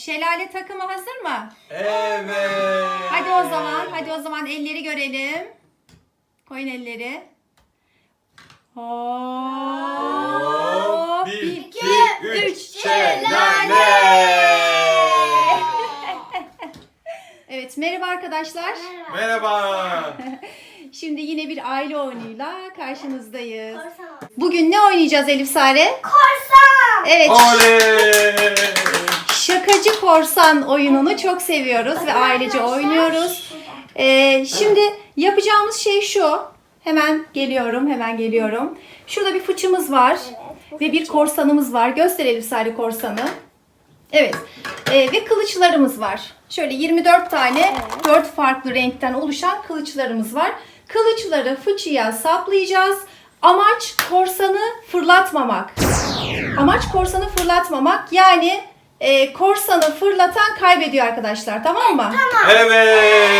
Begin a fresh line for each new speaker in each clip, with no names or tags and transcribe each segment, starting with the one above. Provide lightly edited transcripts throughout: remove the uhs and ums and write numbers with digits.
Şelale takımı hazır mı?
Evet.
Hadi o zaman elleri görelim. Koyun elleri. Hop.
1,
1,
2,
2,
3,
3.
şelale.
Evet, merhaba arkadaşlar.
Merhaba.
Şimdi yine bir aile oyunuyla karşınızdayız.
Korsan.
Bugün ne oynayacağız Elif Sare?
Korsan.
Evet,
Oley.
şakacı korsan oyununu çok seviyoruz ve ailece oynuyoruz. Şimdi yapacağımız şey şu. Hemen geliyorum. Şurada bir fıçımız var ve bir korsanımız var. Göster Elif Sare korsanı. Evet. Ve kılıçlarımız var. Şöyle 24 tane 4 farklı renkten oluşan kılıçlarımız var. Kılıçları fıçıya saplayacağız. Amaç korsanı fırlatmamak. Yani korsanı fırlatan kaybediyor arkadaşlar. Tamam mı?
Evet.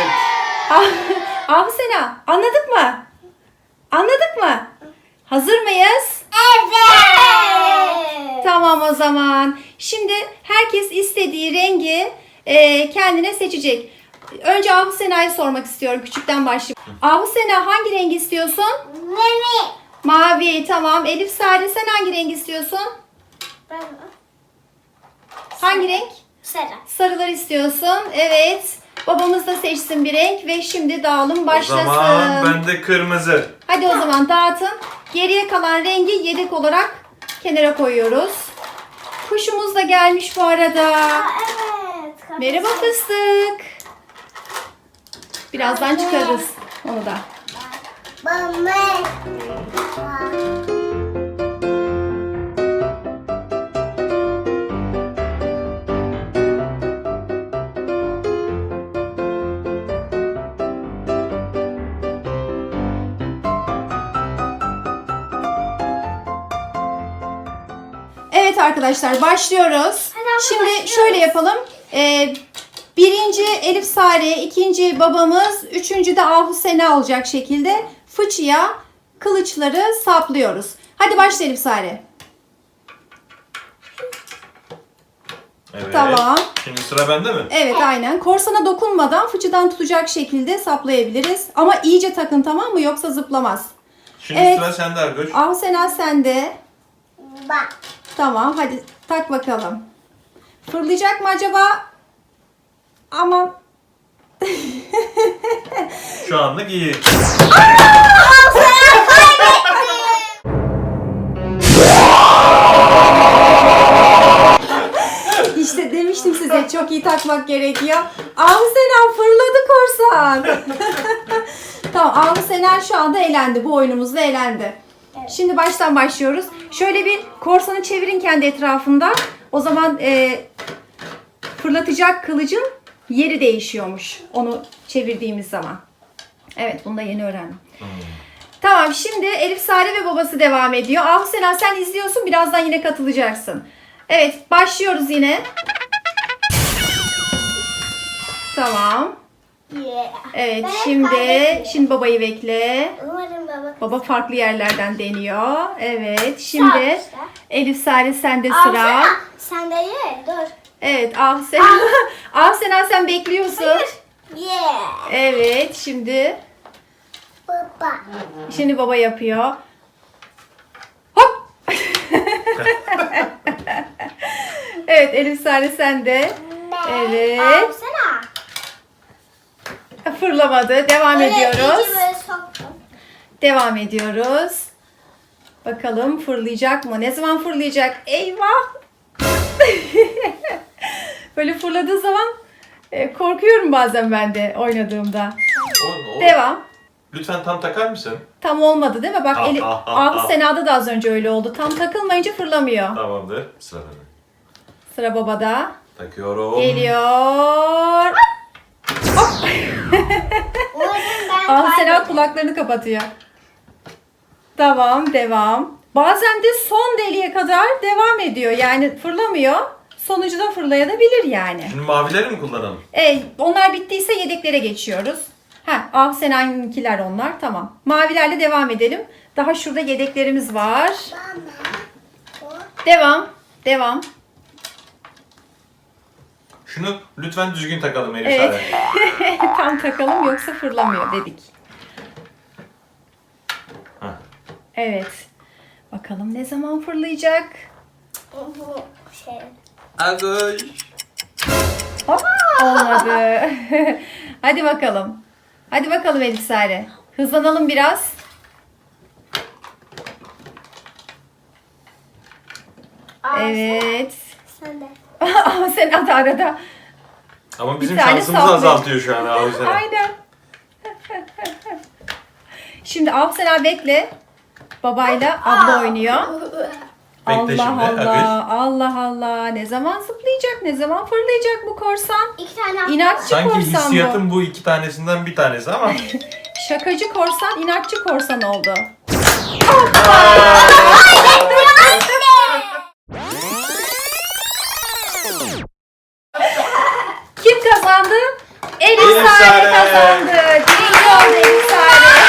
Sena, anladık mı? Hazır mıyız?
Evet.
Tamam o zaman. Şimdi herkes istediği rengi kendine seçecek. Önce Sena'yı sormak istiyorum. Küçükten başlayayım. Sena hangi rengi istiyorsun?
Memi.
Mavi. Tamam. Elif Sare sen hangi rengi istiyorsun?
Ben Hangi renk? Sarı.
Sarılar istiyorsun. Evet. Babamız da seçsin bir renk ve şimdi dağılım başlasın.
O zaman ben de kırmızı.
Hadi o zaman dağıtın. Geriye kalan rengi yedek olarak kenara koyuyoruz. Kuşumuz da gelmiş bu arada.
Evet.
Merhaba fıstık. Birazdan çıkarırız onu da. Evet arkadaşlar başlıyoruz. Şimdi
başlıyoruz.
şöyle yapalım. Birinci Elif Sare, ikinci babamız, üçüncü de Sena olacak şekilde fıçıya kılıçları saplıyoruz. Hadi başla Elif Sare.
Evet.
Tamam.
Şimdi sıra bende mi?
Evet aynen. Korsana dokunmadan fıçıdan tutacak şekilde saplayabiliriz. Ama iyice takın tamam mı? Yoksa zıplamaz.
Şimdi
Evet.
sıra sende Ergöç.
Sena sende.
Bak.
Tamam hadi tak bakalım. Fırlayacak mı acaba? Aman.
Şu anlık iyi.
İşte demiştim size çok iyi takmak gerekiyor. Sena fırladı korsan. Tamam Sena şu anda elendi. Bu oyunumuzda elendi.
Evet.
Şimdi baştan başlıyoruz. Şöyle bir korsanı çevirin kendi etrafında. O zaman fırlatacak kılıcın yeri değişiyormuş. Onu çevirdiğimiz zaman. Evet bunu da yeni öğrendim. Tamam şimdi Elif Sare ve babası devam ediyor. Sena sen izliyorsun birazdan yine katılacaksın. Evet başlıyoruz yine. Tamam.
Yeah.
Evet
Ben
şimdi babayı bekle.
Umarım baba.
Baba farklı yerlerden deniyor. Evet şimdi
Sağ.
Elif Sare sende sıra.
Sen de ye. Dur.
Evet Sena. Sena sen bekliyorsun.
Yeah.
Evet şimdi baba yapıyor. Hop. Evet Elif Sare sende. Evet.
Sana.
Fırlamadı. Devam ediyoruz.
İyice böyle soktum.
Devam ediyoruz. Bakalım fırlayacak mı? Ne zaman fırlayacak? Eyvah! Böyle fırladığı zaman korkuyorum bazen ben de oynadığımda. Devam.
Lütfen tam takar mısın?
Tam olmadı değil mi? Bak Sena'da da az önce öyle oldu. Tam takılmayınca fırlamıyor.
Tamamdır. Sıra bende.
Sıra babada.
Takıyorum.
Geliyor.
Umarım ben
Sena kulaklarını kapatıyor. Tamam, devam. Bazen de son deliğe kadar devam ediyor. Yani fırlamıyor. Sonucu da fırlayabilir yani.
Şimdi mavileri mi kullanalım?
Onlar bittiyse yedeklere geçiyoruz. Sena'nınkiler onlar. Tamam. Mavilerle devam edelim. Daha şurada yedeklerimiz var.
kaybettim.
Şunu lütfen düzgün takalım Elif
Evet.
Sare.
Tam takalım yoksa fırlamıyor dedik.
Hah.
Evet. Bakalım ne zaman fırlayacak?
Bu şey.
Agoy.
Hop, olmadı. Hadi bakalım. Hadi bakalım Elif Sare. Hızlanalım biraz. Evet.
Sen de.
Ama sen at arada.
Ama bizim
Bir tane
şansımızı
saplı.
azaltıyor şu an abi sen.
Aynen. Şimdi Afsena bekle. Babayla abla oynuyor.
Bekle
Allah
şimdi,
Allah. Allah Allah. Ne zaman zıplayacak? Ne zaman fırlayacak bu korsan?
İki tane attım.
İnatçı
Sanki
korsan bu.
hissiyatım bu iki tanesinden bir tanesi ama.
Şakacı korsan, inatçı korsan oldu. Kim kazandı? Elif
Elif
Sare
Sare.
kazandı. Birinci oldu Elif Sare.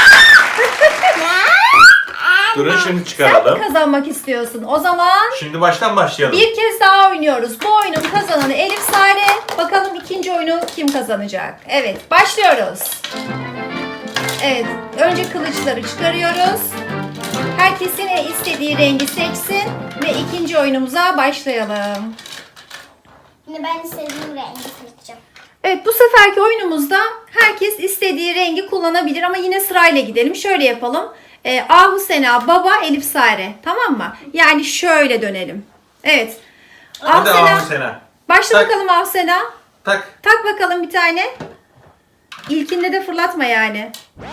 Durun şimdi
Sen mi
çıkaralım.
kazanmak istiyorsun? O zaman
Şimdi baştan başlayalım.
bir kez daha oynuyoruz. Bu oyunun kazananı Elif Sare. Bakalım ikinci oyunu kim kazanacak? Evet, başlıyoruz. Evet, önce kılıçları çıkarıyoruz. Herkesin istediği rengi seçsin ve ikinci oyunumuza başlayalım.
Şimdi ben istediğim rengi seçeceğim.
Evet, bu seferki oyunumuzda herkes istediği rengi kullanabilir ama yine sırayla gidelim. Şöyle yapalım. Ahu Sena, Baba, Elif Sare. Tamam mı? Yani şöyle dönelim. Evet.
Hadi
Ahu Sena.
Ahu Sena.
Başla
Tak.
bakalım Ahu Sena.
Tak.
Tak bakalım bir tane. İlkinde de fırlatma yani.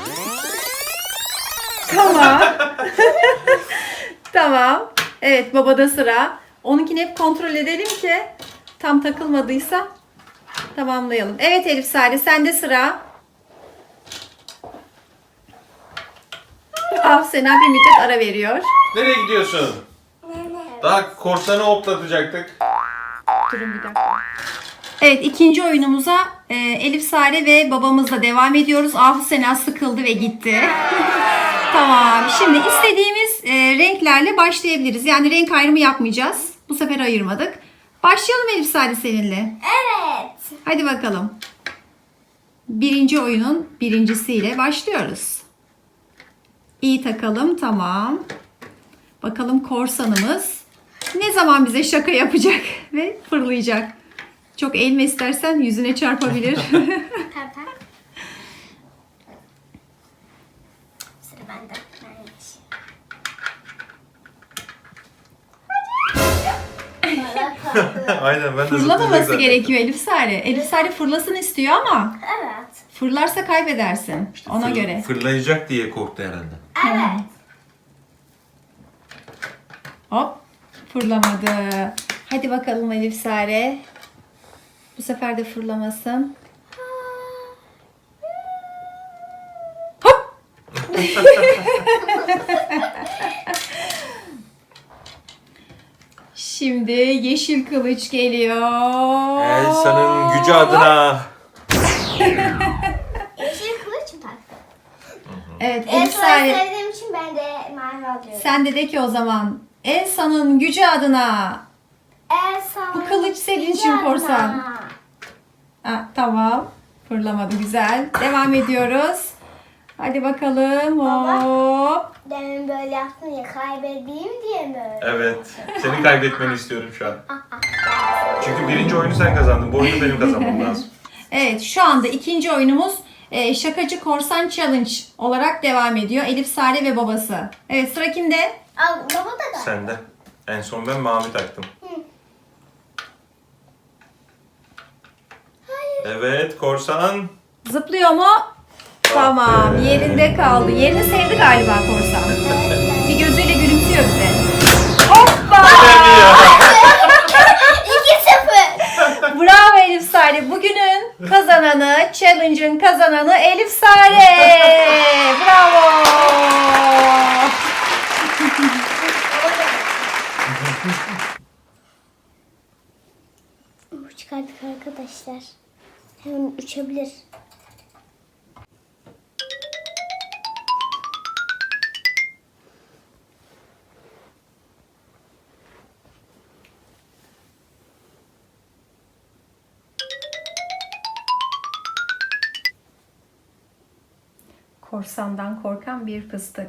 Tamam. Tamam. Evet, babada sıra. Onunkini hep kontrol edelim ki tam takılmadıysa tamamlayalım. Evet Elif Sare, sende sıra. Sena bir müddet ara veriyor.
Nereye gidiyorsun? Daha korsanı hoplatacaktık.
Durun bir dakika. Evet, ikinci oyunumuza Elif Sare ve babamızla devam ediyoruz. Ahu Sena sıkıldı ve gitti. Tamam. Şimdi istediğimiz renklerle başlayabiliriz. Yani renk ayrımı yapmayacağız. Bu sefer ayırmadık. Başlayalım Elif Sare seninle.
Evet.
Hadi bakalım. Birinci oyunun birincisiyle başlıyoruz. İyi takalım. Tamam. Bakalım korsanımız ne zaman bize şaka yapacak ve fırlayacak. Çok eğilme istersen yüzüne çarpabilir.
Pembe. Sıra bende.
Aynen ben de
Fırlamaması
zıplayacak
gerekiyor Elif Sare. Elif Sare fırlasın istiyor ama
Evet.
fırlarsa kaybedersin. Ona
zaten.
göre.
Fırlayacak diye korktu herhalde.
Evet.
Hop. Fırlamadı. Hadi bakalım Elif Sare. Bu sefer de fırlamasın. Hop. Şimdi yeşil kılıç geliyor.
Elsa'nın gücü adına.
Yeşil kılıç mı taktın?
Evet
En
Elif
son
Sare.
sevdiğim için ben de mavi alıyorum.
Sen de ki o zaman. Elsa'nın gücü adına.
Elsa.
Bu kılıç senin için korsan. Ha, tamam. Fırlamadı. Güzel. Devam ediyoruz. Hadi bakalım.
Baba.
Hop.
Demin böyle yaptın ya kaybedeyim diye mi öyle?
Evet. Seni kaybetmeni istiyorum şu an. Çünkü birinci oyunu sen kazandın. Bu oyunu benim kazanmam lazım.
Evet, şu anda ikinci oyunumuz Şakacı Korsan Challenge olarak devam ediyor. Elif Sare ve babası. Evet, sıra kimde?
Al baba da.
Sende. En son ben mavi taktım. Evet korsan.
Zıplıyor mu? Tamam, yerinde kaldı. Yerini sevdi galiba korsan. Bir gözüyle gülümsüyor bize. Hoppa!
2-0.
Bravo Elif Sare. Bugünün kazananı, challenge'ın kazananı Elif Sare. Bravo.
Çıkarttık arkadaşlar. Hemen uçabilir.
Korsandan korkan bir fıstık.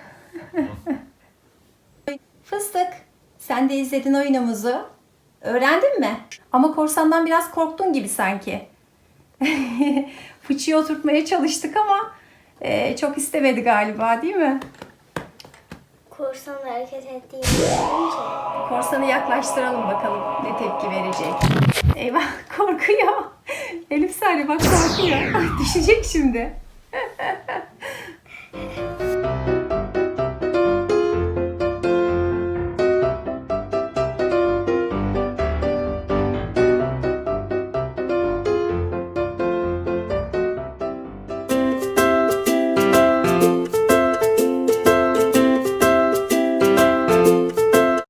Fıstık, sen de izledin oyunumuzu. Öğrendin mi? Ama korsandan biraz korktun gibi sanki. Fıçıyı oturtmaya çalıştık ama çok istemedi galiba, değil mi?
Korsanla hareket ettiğini görünce.
Korsanı yaklaştıralım bakalım ne tepki verecek. Eyvah, korkuyor. Elif Sare bak, korkuyor. Düşecek şimdi.